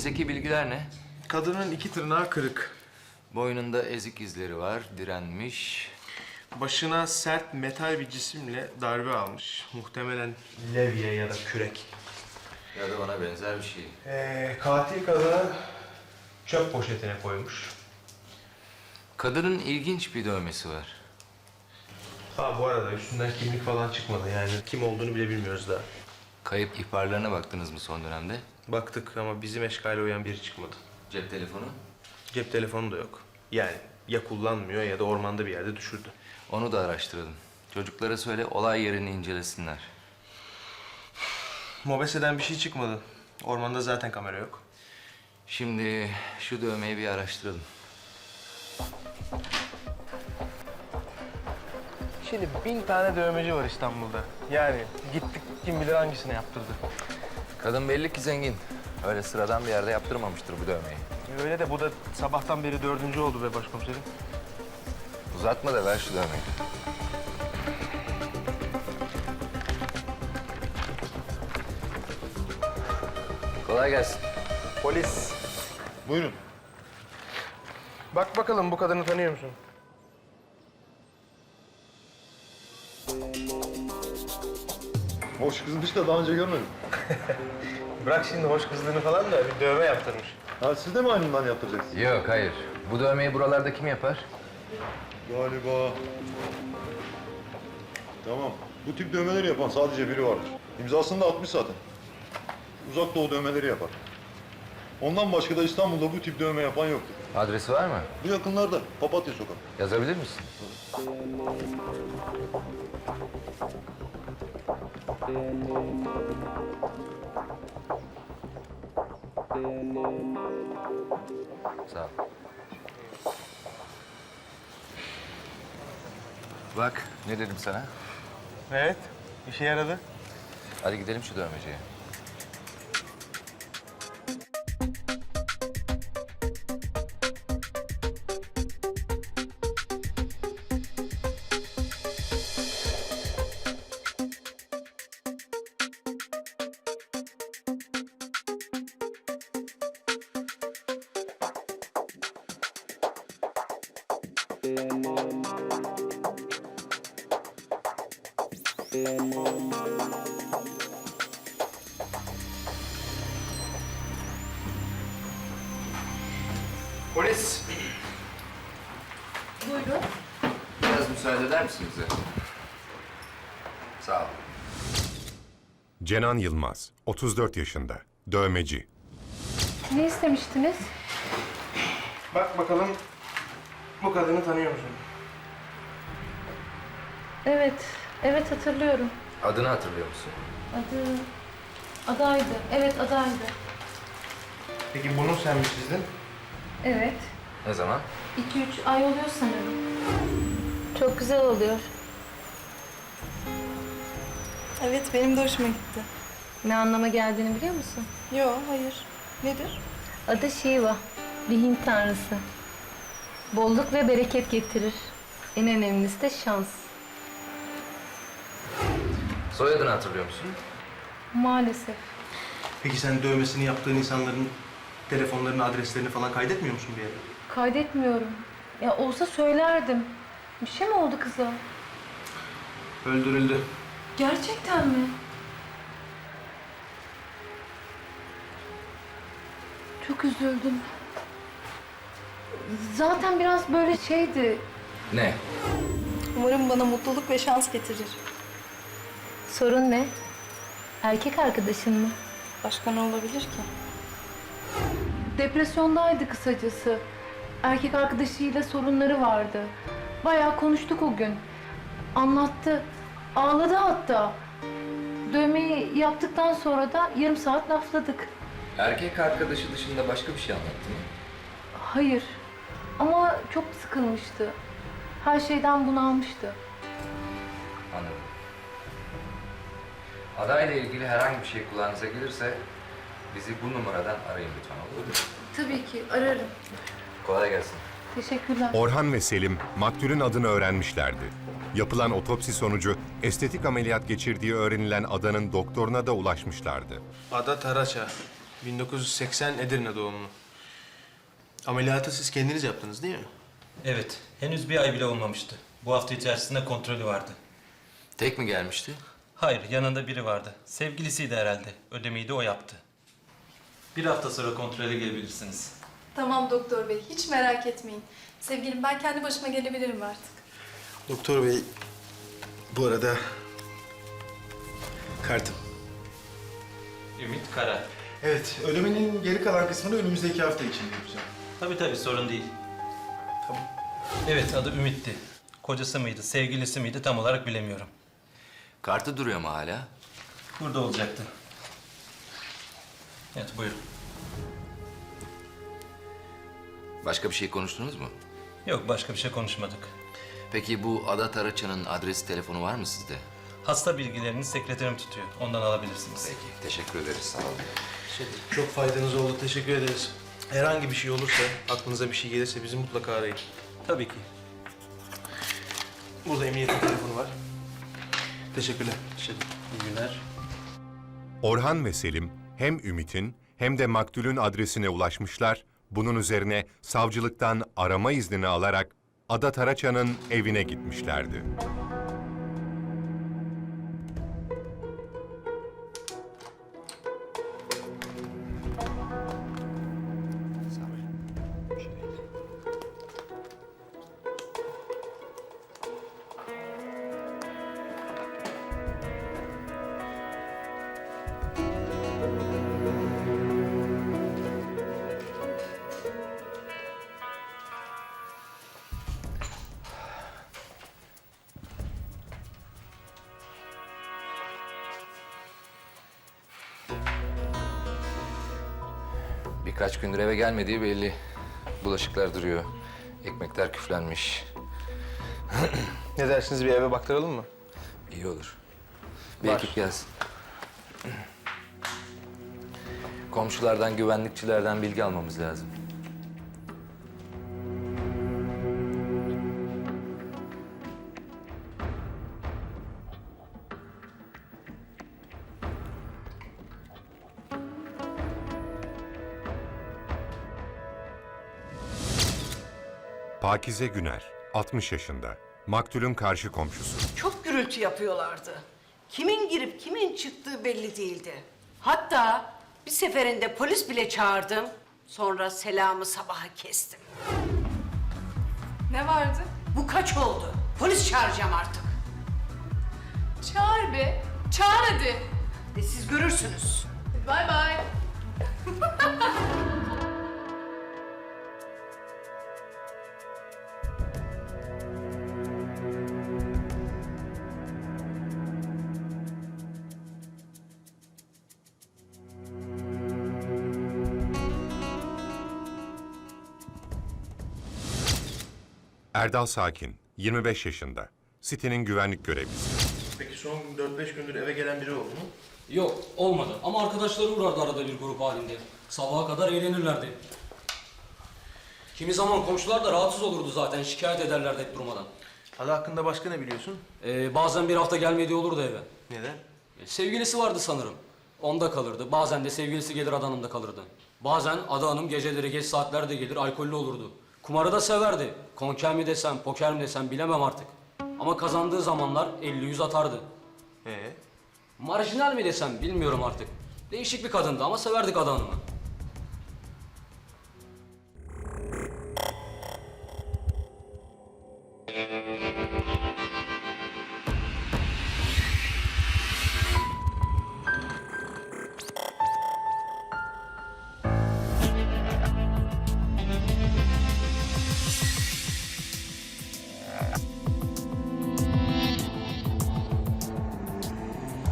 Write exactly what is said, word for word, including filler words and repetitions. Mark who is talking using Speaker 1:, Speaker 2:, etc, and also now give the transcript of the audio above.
Speaker 1: Mezdeki bilgiler ne?
Speaker 2: Kadının iki tırnağı kırık.
Speaker 1: Boynunda ezik izleri var, direnmiş.
Speaker 2: Başına sert metal bir cisimle darbe almış. Muhtemelen levye ya da kürek.
Speaker 1: Ya da ona benzer bir şey.
Speaker 2: Ee, katil kadını çöp poşetine koymuş.
Speaker 1: Kadının ilginç bir dövmesi var.
Speaker 2: Ha bu arada üstünden kimlik falan çıkmadı yani. Kim olduğunu bile bilmiyoruz daha.
Speaker 1: Kayıp ihbarlarına baktınız mı son dönemde?
Speaker 2: Baktık ama bizim eşkale uyan biri çıkmadı.
Speaker 1: Cep telefonu?
Speaker 2: Cep telefonu da yok. Yani ya kullanmıyor ya da ormanda bir yerde düşürdü.
Speaker 1: Onu da araştıralım. Çocuklara söyle olay yerini incelesinler.
Speaker 2: Mobese'den bir şey çıkmadı. Ormanda zaten kamera yok.
Speaker 1: Şimdi şu dövmeyi bir araştıralım.
Speaker 2: Şimdi bin tane dövmeci var İstanbul'da. Yani gittik kim bilir hangisini yaptırdı.
Speaker 1: Kadın belli ki zengin. Öyle sıradan bir yerde yaptırmamıştır bu dövmeyi.
Speaker 2: Öyle de bu da sabahtan beri dördüncü oldu be başkomiserim.
Speaker 1: Uzatma da ver şu dövmeyi. Kolay gelsin.
Speaker 2: Polis.
Speaker 3: Buyurun.
Speaker 2: Bak bakalım bu kadını tanıyor musun?
Speaker 3: Hoş kızmış da daha önce görmedim.
Speaker 2: Bırak şimdi hoş kızlığını falan da bir dövme yaptırmış.
Speaker 3: Ha siz de mi aynından yaptıracaksınız?
Speaker 1: Yok, hayır. Bu dövmeyi buralarda kim yapar?
Speaker 3: Galiba. Tamam. Bu tip dövmeleri yapan sadece biri vardır. İmzasını da atmış zaten. Uzak Doğu dövmeleri yapar. Ondan başka da İstanbul'da bu tip dövme yapan yoktur.
Speaker 1: Adresi var mı?
Speaker 3: Bu yakınlarda Papatya Sokak.
Speaker 1: Yazabilir misin? Sağ ol. Bak, ne dedim sana?
Speaker 2: Evet, işe yaradı.
Speaker 1: Hadi gidelim şu dövmeciye.
Speaker 2: Polis.
Speaker 4: Buyurun.
Speaker 1: Biraz müsaade eder misiniz bize? Sağ ol.
Speaker 5: Cenan Yılmaz, otuz dört yaşında, dövmeci.
Speaker 4: Ne istemiştiniz?
Speaker 2: Bak bakalım bu kadını tanıyor musun?
Speaker 4: Evet, evet hatırlıyorum.
Speaker 1: Adını hatırlıyor musun?
Speaker 4: Adı... Adaydı. Evet, adaydı.
Speaker 2: Peki bunu sen mi çizdin?
Speaker 4: Evet.
Speaker 1: Ne zaman?
Speaker 4: İki üç ay oluyor sanırım. Çok güzel oluyor.
Speaker 6: Evet, benim de hoşuma gitti.
Speaker 4: Ne anlama geldiğini biliyor musun?
Speaker 6: Yo, hayır. Nedir?
Speaker 4: Adı Shiva. Bir Hint tanrısı. Bolluk ve bereket getirir. En önemlisi de şans.
Speaker 1: Soyadını hatırlıyor musun?
Speaker 4: Maalesef.
Speaker 2: Peki sen dövmesini yaptığın insanların telefonlarını, adreslerini falan kaydetmiyor musun bir yere?
Speaker 4: Kaydetmiyorum. Ya olsa söylerdim. Bir şey mi oldu kıza?
Speaker 2: Öldürüldü.
Speaker 4: Gerçekten mi? Çok üzüldüm. Zaten biraz böyle şeydi.
Speaker 1: Ne?
Speaker 6: Umarım bana mutluluk ve şans getirir.
Speaker 4: Sorun ne? Erkek arkadaşın mı?
Speaker 6: Başka ne olabilir ki?
Speaker 4: Depresyondaydı kısacası. Erkek arkadaşıyla sorunları vardı. Bayağı konuştuk o gün. Anlattı. Ağladı hatta. Dövmeyi yaptıktan sonra da yarım saat lafladık.
Speaker 1: Erkek arkadaşı dışında başka bir şey anlattı mı?
Speaker 4: Hayır. Ama çok sıkılmıştı. Her şeyden bunalmıştı.
Speaker 1: Anladım. Adayla ilgili herhangi bir şey kulağınıza gelirse bizi bu numaradan arayın lütfen, olur mu?
Speaker 4: Tabii ki ararım.
Speaker 1: Kolay gelsin.
Speaker 4: Teşekkürler.
Speaker 5: Orhan ve Selim, maktulün adını öğrenmişlerdi. Yapılan otopsi sonucu estetik ameliyat geçirdiği öğrenilen adanın doktoruna da ulaşmışlardı.
Speaker 2: Ada Taraça. bin dokuz yüz seksen Edirne doğumlu. Ameliyatı siz kendiniz yaptınız değil mi?
Speaker 7: Evet, henüz bir ay bile olmamıştı. Bu hafta içerisinde kontrolü vardı.
Speaker 1: Tek mi gelmişti?
Speaker 7: Hayır, yanında biri vardı. Sevgilisiydi herhalde. Ödemeyi de o yaptı. Bir hafta sonra kontrole gelebilirsiniz.
Speaker 6: Tamam doktor bey, hiç merak etmeyin. Sevgilim, ben kendi başıma gelebilirim artık.
Speaker 2: Doktor bey, bu arada kartım.
Speaker 7: Ümit Kara.
Speaker 2: Evet, ödemenin geri kalan kısmını önümüzdeki hafta için yapacağım.
Speaker 7: Tabii tabii, sorun değil.
Speaker 2: Tamam.
Speaker 7: Evet, adı Ümit'ti. Kocası mıydı, sevgilisi miydi tam olarak bilemiyorum.
Speaker 1: Kartı duruyor mu hala?
Speaker 7: Burada olacaktı. Evet, buyurun.
Speaker 1: Başka bir şey konuştunuz mu?
Speaker 7: Yok, başka bir şey konuşmadık.
Speaker 1: Peki bu Ada Taraçan'ın adresi, telefonu var mı sizde?
Speaker 7: Hasta bilgilerini sekreterim tutuyor. Ondan alabilirsiniz.
Speaker 1: Peki, teşekkür ederiz. Sağ olun.
Speaker 2: Çok faydanız oldu, teşekkür ederiz. Herhangi bir şey olursa, aklınıza bir şey gelirse bizi mutlaka arayın.
Speaker 7: Tabii ki.
Speaker 2: Burada emniyetin telefonu var. Teşekkürler.
Speaker 7: İyi günler.
Speaker 5: Orhan ve Selim hem Ümit'in hem de maktulün adresine ulaşmışlar, bunun üzerine savcılıktan arama iznini alarak Ada Taraçan'ın evine gitmişlerdi.
Speaker 1: Birkaç gündür eve gelmediği belli. Bulaşıklar duruyor. Ekmekler küflenmiş.
Speaker 2: Ne dersiniz, bir eve baktıralım mı?
Speaker 1: İyi olur. Bir
Speaker 2: Var.
Speaker 1: ekip gelsin. Komşulardan, güvenlikçilerden bilgi almamız lazım.
Speaker 5: Pakize Güner, altmış yaşında. Maktulün karşı komşusu.
Speaker 8: Çok gürültü yapıyorlardı. Kimin girip kimin çıktığı belli değildi. Hatta bir seferinde polis bile çağırdım. Sonra selamı sabaha kestim.
Speaker 6: Ne vardı?
Speaker 8: Bu kaç oldu? Polis çağıracağım artık.
Speaker 6: Çağır be. Çağır hadi.
Speaker 8: E siz görürsünüz.
Speaker 6: Bay bay.
Speaker 5: Erdal Sakin, yirmi beş yaşında. Sitenin güvenlik görevlisi.
Speaker 2: Peki son dört beş gündür eve gelen biri oldu mu?
Speaker 9: Yok, olmadı. Ama arkadaşları uğrardı arada bir grup halinde. Sabaha kadar eğlenirlerdi. Kimi zaman komşular da rahatsız olurdu zaten, şikayet ederlerdi hep durmadan.
Speaker 2: Ada hakkında başka ne biliyorsun?
Speaker 9: Ee, bazen bir hafta gelmediği olurdu eve.
Speaker 2: Neden?
Speaker 9: E, sevgilisi vardı sanırım. Onda kalırdı. Bazen de sevgilisi gelir Ada Hanım'da kalırdı. Bazen Ada Hanım geceleri geç saatlerde gelir, alkollü olurdu. Kumarı da severdi. Konker mi desem, poker mi desem bilemem artık. Ama kazandığı zamanlar elli yüz atardı.
Speaker 2: Ee?
Speaker 9: Marjinal mi desem bilmiyorum artık. Değişik bir kadındı ama severdik Ada Hanım'ı.